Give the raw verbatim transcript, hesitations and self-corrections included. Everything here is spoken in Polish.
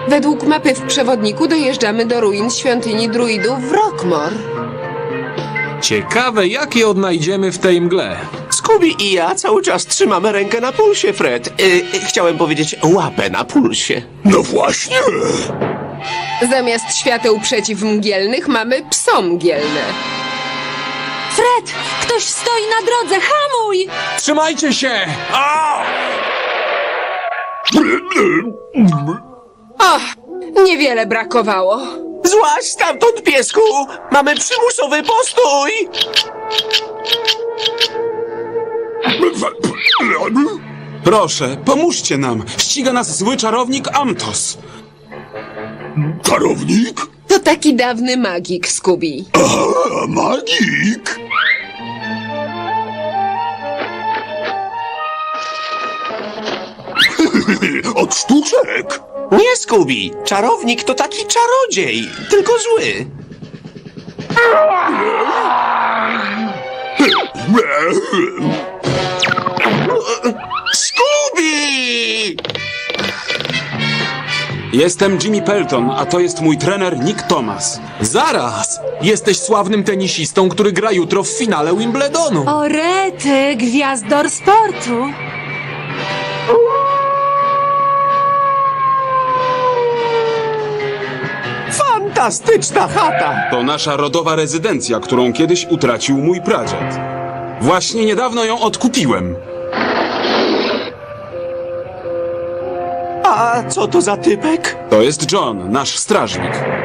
Według mapy w przewodniku dojeżdżamy do ruin świątyni druidów w Rockmore. Ciekawe, jak je odnajdziemy w tej mgle. Scooby i ja cały czas trzymamy rękę na pulsie, Fred. Y, y, chciałem powiedzieć łapę na pulsie. No właśnie. Zamiast świateł przeciwmgielnych mamy psomgielne. Fred! Ktoś stoi na drodze! Hamuj! Trzymajcie się! O, niewiele brakowało. Złaź stamtąd, piesku! Mamy przymusowy postój! Proszę, pomóżcie nam. Ściga nas zły czarownik Amtos. Czarownik? To taki dawny magik, Scooby. A, magik? Od sztuczek. Nie, Scooby! Czarownik to taki czarodziej, tylko zły. Scooby! Jestem Jimmy Pelton, a to jest mój trener Nick Thomas. Zaraz! Jesteś sławnym tenisistą, który gra jutro w finale Wimbledonu. O rety, gwiazdor sportu! Fantastyczna chata! To nasza rodowa rezydencja, którą kiedyś utracił mój pradziad. Właśnie niedawno ją odkupiłem. A co to za typek? To jest John, nasz strażnik.